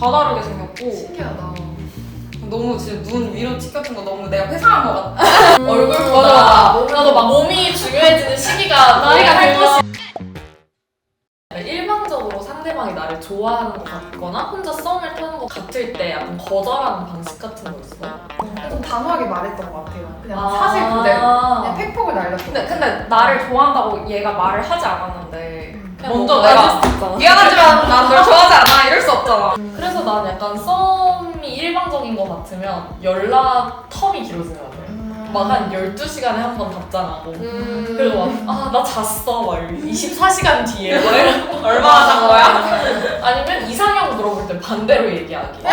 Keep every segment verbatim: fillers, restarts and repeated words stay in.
다 다르게 생겼고 신기하다. 너무 진짜 눈 위로 찍혔던 거 너무 내가 회상한 것 같아. 음, 얼굴보다 나도 막 몸이 중요해지는 시기가 나이가 들면 일방적으로 상대방이 나를 좋아하는 것 같거나 혼자 썸을 타는 것 같을 때 약간 거절하는 방식 같은 거 있어? 좀 단호하게 말했던 것 같아요. 그냥 아~ 사실 그대로 그냥 팩폭을 날렸던 근데 근데 나를 좋아한다고 얘가 말을 하지 않았는데 먼저 뭐 내가 미안하지만 난 널 좋아하지 않아 이럴 수 없잖아. 그래서 난 약간 썸이 일방적인 것 같으면 연락 텀이 길어지는 것 같아요. 막 한 열두 시간에 한 번 답장하고 음. 그리고 막 아 나 잤어 막 이십사 시간 뒤에 막 이러고 얼마나 잔 거야? 아니면 이상형 물어볼 때 반대로 얘기하기.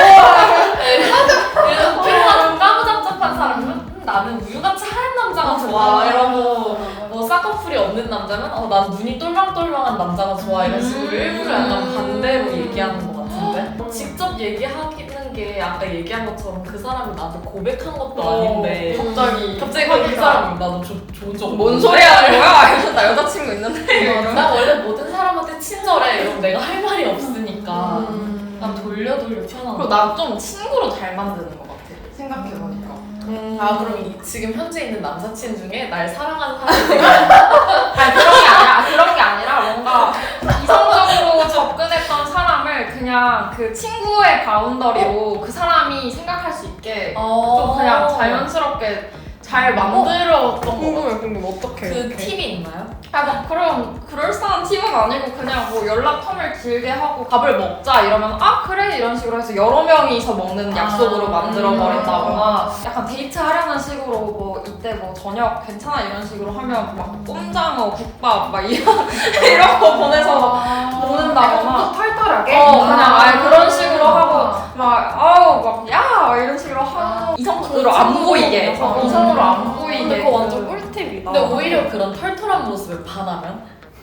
그래서 피부가 좀 까무잡잡한 사람은 음, 나는 우유같이 하얀 남자가 좋아 이러고 뭐 쌍꺼풀이 없는 남자는 어, 난 눈이 똘망똘망한 남자가 좋아 이런 식으로 일부러 약간 반대로 얘기하는 것 같은데 직접 얘기하는 게 아까 얘기한 것처럼 그 사람이 나한테 고백한 것도 아닌데 갑자기 갑자기 그 사람이 나도 조, 좋은 적 뭔 소리 하는 거야? 이러면서 나 여자친구 있는데 나 원래 모든 사람한테 친절해 이러면 내가 할 말이 없으니까 음. 난 돌려 돌려 튀어나와. 그리고 나 좀 친구로 잘 만드는 것 같아 생각해보니까. 음. 아 그럼 이, 지금 현재 있는 남사친 중에 날 사랑하는 사람이 아니 그런 게 아니라 그런 게 아니라 뭔가 이성적으로 접근했던 사람을 그냥 그 친구의 바운더리로 그 사람이 생각할 수 있게 좀 그냥 자연스럽게 잘 만들었던 거 같아. 궁금해 궁금해 어떻게 그 팁이 있나요? 아, 막 그런 그럴싸한 팁은 아니고 그냥 뭐 연락 텀을 길게 하고 밥을 먹자 이러면 아 그래 이런 식으로 해서 여러 명이서 먹는 약속으로 아. 만들어 버린다거나 약간 데이트 하려는 식으로 뭐 이때 뭐 저녁 괜찮아 이런 식으로 하면 막 꼼장어 국밥 막 이런 이런 거 보내서 막 먹는다거나 좀 털털하게? 어 그냥 아예 그런 식으로 하고 막 아우 막 야 이런 식으로 하고 이성으로 안 보이게 어, 이성으로 안 보이게 근데 그거 완전 꿀팁이다. 근데 오히려 그런 털털한 모습을 반하면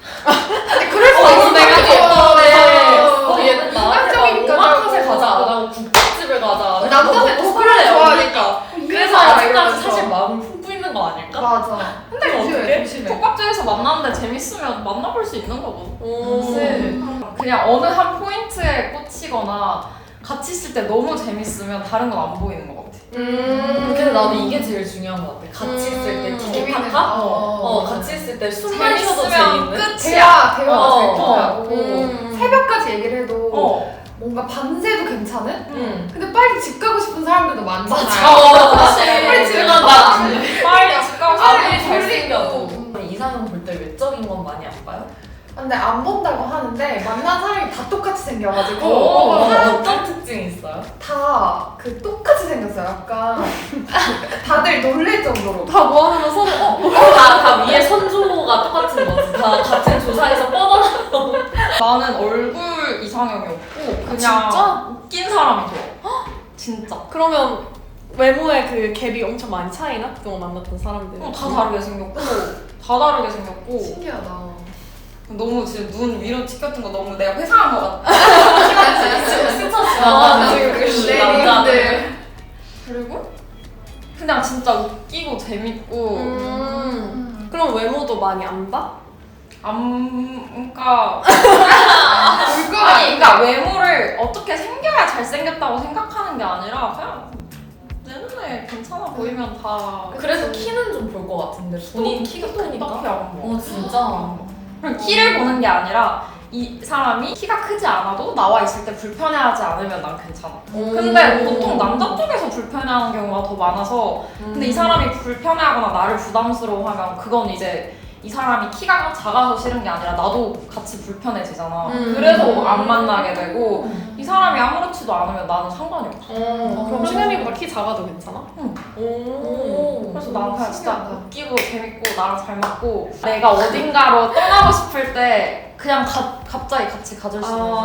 근데 그럴 수 어, 있어. 내가 예쁜데 어, 어, 얘는 나한테 인간적이니까 막 오마카세 가자 안 하고 국밥집을 가자 남자는 또 그걸 좋아하니까. 그래서 아직까지 사실 마음을 품고 있는 거 아닐까? 맞아. 근데 조심해, 어떡해? 조심해. 톡밥집에서 만났는데 재밌으면 만나볼 수 있는 거거든. 음. 그냥 어느 한 포인트에 꽂히거나 같이 있을 때 너무 재밌으면 다른 건 안 보이는 것 같아. 음. 근데 나도 이게 제일 중요한 것 같아. 같이 있을 때 음. 티키타카? 어, 어, 같이 있을 때 숨만 쉬어도 재밌으면 재밌는? 끝이야. 대화, 대화가 어, 잘 통하고 음. 새벽까지 얘기를 해도 어. 뭔가 밤새도 괜찮은? 응. 근데 빨리 집 가고 싶은 사람들도 많잖아요. 어, 사실. 빨리 집에 그건 가자. 나 빨리 집 가고 아무리 싶어. 잘생겨도 이상형 볼 때 외적인 건 많이 안 봐요? 근데 안 본다고 하는데 만난 사람이 다 똑같이 생겨가지고 어, 사람 어떤 특징이 있어요? 다 그 똑같이 생겼어요. 약간 다들 놀랄 정도로. 다 모아놓으면 서로 어? 다, 다 위에 선조가 똑같은 거지. 다 같은 조사에서 뻗어나서. 나는 얼굴 이상형이 없고 그냥 진짜? 웃긴 사람이 좋아. 진짜. 그러면 외모에 그 갭이 엄청 많이 차이나? 그동안 만났던 사람들 어, 다 다르게 생겼고 다 다르게 생겼고 신기하다. 너무 진짜 눈 위로 찍혔던 거 너무 내가 회상한 것 같아. 스쳐 아, 지나가는 지금 그 네, 남자들. 네. 그리고 그냥 진짜 웃기고 재밌고 음. 그럼 외모도 많이 안 봐? 안 그러니까 물건 아니 그러니까 외모를 어떻게 생겨야 잘생겼다고 생각하는 게 아니라 그냥 내 눈에 괜찮아 보이면 다 그래서 키는 좀 볼 것 같은데 본인 키가 크니까. 딱히 안 봐. 어 진짜. 그냥 키를 보는 게 아니라 이 사람이 키가 크지 않아도 나와 있을 때 불편해하지 않으면 난 괜찮아. 근데 보통 남자 쪽에서 불편해하는 경우가 더 많아서 근데 이 사람이 불편해하거나 나를 부담스러워하면 그건 이제 이 사람이 키가 작아서 싫은 게 아니라 나도 같이 불편해지잖아. 음. 그래서 안 만나게 되고 이 사람이 아무렇지도 않으면 나는 상관이 없어. 어, 그럼 신혜미보다 키 작아도 괜찮아? 응. 오. 그래서 나는 그냥 진짜 신기하다. 웃기고 재밌고 나랑 잘 맞고 내가 어딘가로 떠나고 싶을 때 그냥 가, 갑자기 같이 가줄 수 있는 사람.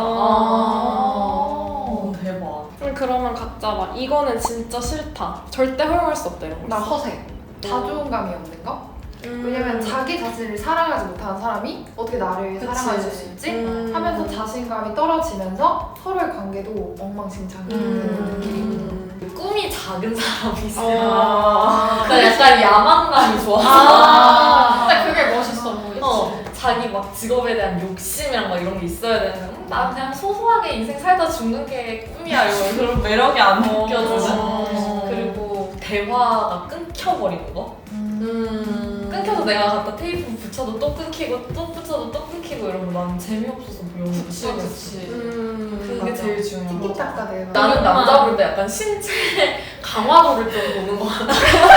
아, 대박. 그럼 그러면 각자 막 이거는 진짜 싫다. 절대 허용할 수 없다 이런 거. 나 있어? 허세. 자존감이 없는 거? 음. 왜냐면 자기 자신을 사랑하지 못하는 사람이 어떻게 나를 그치. 사랑할 수 있지? 음. 하면서 자신감이 떨어지면서 서로의 관계도 엉망진창이 되는 느낌. 음. 꿈이 작은 사람이 있어. 아. 그러니까 약간 야망감이 좋아서. 아. 근데 그게 멋있어 보이지. 어, 자기 막 직업에 대한 욕심이랑 막 이런 게 있어야 되는데 음, 난 그냥 소소하게 인생 살다 죽는 게 꿈이야 이런 그런 매력이 안 느껴지는 어. 그리고 대화가 끊겨버리는 거 음. 끊겨서 내가 갖다 테이프 붙여도 또 끊기고 또 붙여도 또 끊기고 이러면 난 재미없어서 배우는 거 그치 그치. 음. 그게 맞아. 제일 중요한 거 티키타카 대화. 나는 남자 볼 때 약간 신체 강화도를 좀 보는 거 같아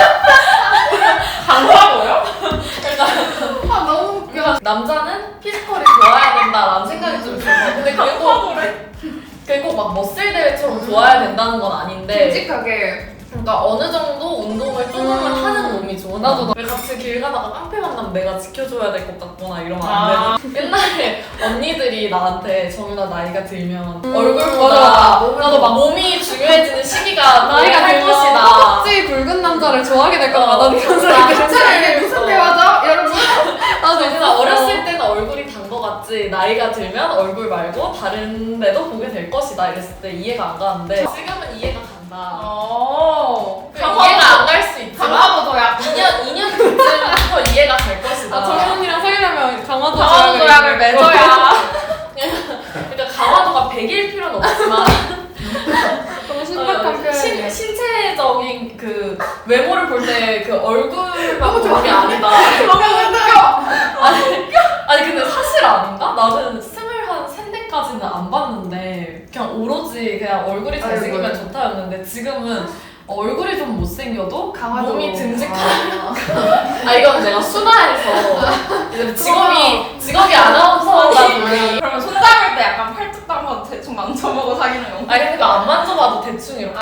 강화도요? 아 너무 웃겨. 그러니까 남자는 피지컬이 좋아야 된다라는 생각이 좀 들어. 근데 그게 꼭 그게 꼭 막 머슬 대회처럼 좋아야 된다는 건 아닌데. 듬직하게. 그러니까 어느 정도 운동을 조금은 음. 하는 몸이 좋아. 나도 왜 같이 길 가다가 깡패 만나면 내가 지켜줘야 될 것 같거나 이러면 안 아. 돼. 옛날에 언니들이 나한테 정윤아 나이가 들면 음. 얼굴보다 맞아. 나도 막 몸이 중요해지는 시기가 나이가 할 들면 것이다. 허벅지 굵은 남자를 좋아하게 될 거다. 나도 이런 생각 진짜 이게 무슨 대화죠? 여러분. 나도 그냥 어렸을 때는 얼굴이 단 거 같지 나이가 들면 얼굴 말고 다른 데도 보게 될 것이다 이랬을 때 이해가 안 가는데 지금은 이해가 간다. 어. 그 이해가 안 갈 수 있지만 강화도도약. 이 년, 이 년 뒤쯤부터 이해가 갈 것이다. 아, 정현이랑 사귀려면 강화도 강화도 도약을 맺어야. 그러니까 강화도가 백일 필요는 없지만 너무 신박한 어, 표현이야. 신, 신체적인 그 외모를 볼 때 그 얼굴만 너무 보는 게 아니다. 너무 웃겨. 아니, 아니 근데 사실 아닌가? 나는 스물한 셋넷까지는 안 봤는데 그냥 오로지 그냥 얼굴이 잘생기면 아이고. 좋다였는데 지금은 얼굴이 좀 못생겨도 강화도. 몸이 듬직한 아 이건 내가 순화해서 이제 직업이 직업이 아나운서다 보니 그러면 손 잡을 때 약간 팔뚝도 한번 대충 만져보고 사귀는 거. 아니 근데 안 만져봐도 대충 이렇게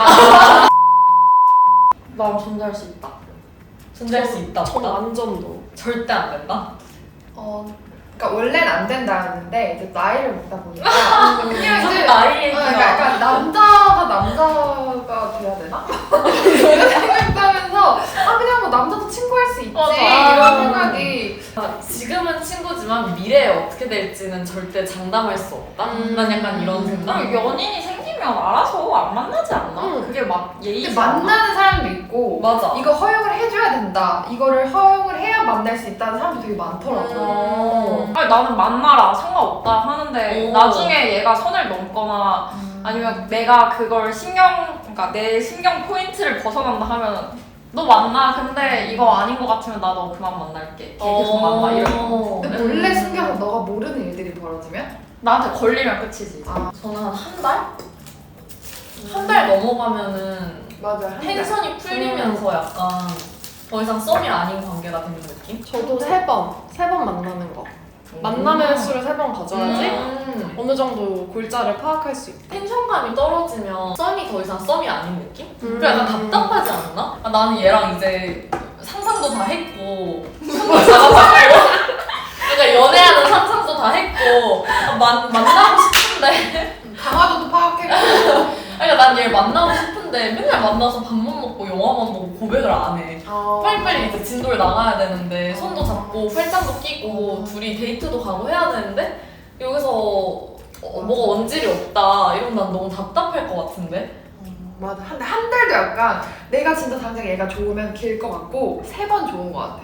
난 존재할 수 있다. 존재할 수 있다 전 없다? 완전도. 절대 안 된다? 어. 그러니까 원래는 안 된다였는데 이제 나이를 먹다 보니까 그냥 무슨 이제 나이 어, 얘기야 그러니까 약간 남자가 남자가 돼야 되나? 이런 생각하면서 아 그냥 뭐 남자도 친구할 수 있지 맞아. 이런 생각이 지금은 친구지만 미래에 어떻게 될지는 절대 장담할 수 없다? 음. 난 약간 이런 생각? 그럼 연인이 생기면 알아서 안 만나지 않나? 응. 그게 막 예의지 근데 않아? 만나는 사람도 있고 맞아 이거 허용을 해줘야 된다 이거를 허용을 해야 만날 수 있다는 사람도 되게 많더라고. 어. 아니 나는 만나라 상관없다 하는데 오. 나중에 얘가 선을 넘거나 아니면 내가 그걸 신경 그러니까 내 신경 포인트를 벗어난다 하면 너 만나 근데 이거 아닌 것 같으면 나 너 그만 만날게 걔 계속 만나 이런 거 근데 몰래 숨겨서 너가 모르는 일들이 벌어지면? 나한테 걸리면 끝이지. 아 저는 한 한 달? 한 달 넘어가면은 맞아. 한 달. 텐션이 풀리면서 약간 더 이상 썸이 아닌 관계가 되는 느낌? 저도 세 번, 세 번 만나는 거. 만남의 횟수를 세 번 가져야지 음. 어느 정도 골자를 파악할 수 있다. 텐션감이 떨어지면 썸이 더 이상 썸이 아닌 느낌? 음. 그래 약간 답답하지 않나? 아, 나는 얘랑 이제 상상도 다 했고 손도 잡아봤고 그러니까 연애하는 상상도 다 했고 아, 만, 만나고 싶은데 강화도도 파악했고. 그러니까 난 얘를 만나고 싶은데 맨날 만나서 밥만 먹고 영화만 보고 고백을 안 해. 어. 빨리빨리 이제 진도를 나가야 되는데 손도 잡고 팔짱도 끼고 둘이 데이트도 가고 해야 되는데 여기서 어, 뭐가 언질이 없다 이러면 난 너무 답답할 것 같은데? 맞아. 한, 한 달도 약간 내가 진짜 당장 얘가 좋으면 길 것 같고 세 번 좋은 것 같아.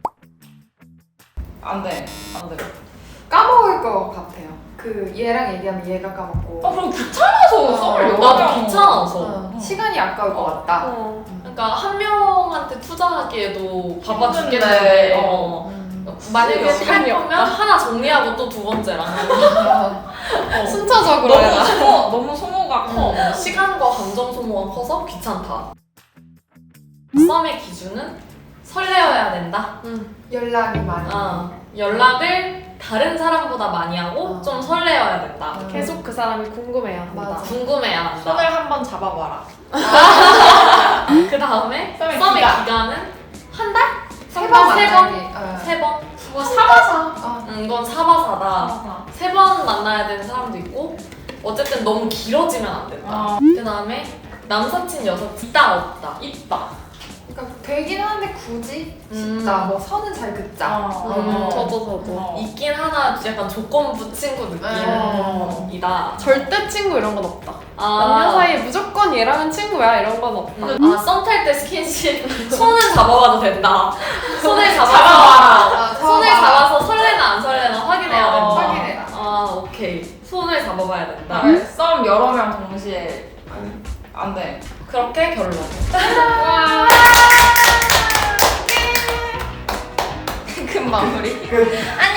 안 돼. 안 돼. 까먹을 것 같아요. 그 얘랑 얘기하면 얘가 까먹고. 아 그럼 귀찮아서 어, 썸을 여러 나도 명 귀찮아서 어, 시간이 아까울 것 같다. 어. 그러니까 한 명한테 투자하기에도 바빠 힘든데, 죽겠는데 어. 어. 음. 만약에 할 시간이 거면 하나 정리하고 또 두 번째랑 어. 순차적으로 너무 해라. 소모 너무 소모가 커. 어, 시간과 감정 소모가 커서 귀찮다. 썸의 기준은 설레어야 된다. 연락이 많이. 어, 연락을 다른 사람보다 많이 하고 어. 좀 설레어야 된다. 음. 계속 그 사람이 궁금해야 한다. 맞아. 궁금해야 한다. 손을 한번 잡아봐라. 그 다음에 썸의 썸의 기간. 기간은 한 달? 세 번, 번 세 만나기. 어. 세 번? 뭐 사바사. 어. 음, 이건 사바사다. 세 번 만나야 되는 사람도 있고 어쨌든 너무 길어지면 안 된다. 어. 그 다음에 남사친 여사친 있다 없다. 있다. 그러니까 되긴 하는데 굳이 음. 싶다. 뭐 선은 잘 긋자. 어. 음, 저도 저도. 어. 있긴 하나 약간 조건부 친구 어. 느낌이다. 절대 친구 이런 건 없다. 아. 남녀 사이에 무조건 난 얘랑은 친구야 이런 건 없다. 아, 썸 탈 때 스킨십 손은 잡아봐도 된다. 손을 잡아서 아, 손을 잡아봐. 잡아서 설레나 안 설레나 확인해야 어, 된다. 확인해라. 아, 오케이. 손을 잡아봐야 된다. 네, 썸 여러 명 동시에 안 돼. 그렇게 결론. 와. 큰 마무리. 안녕.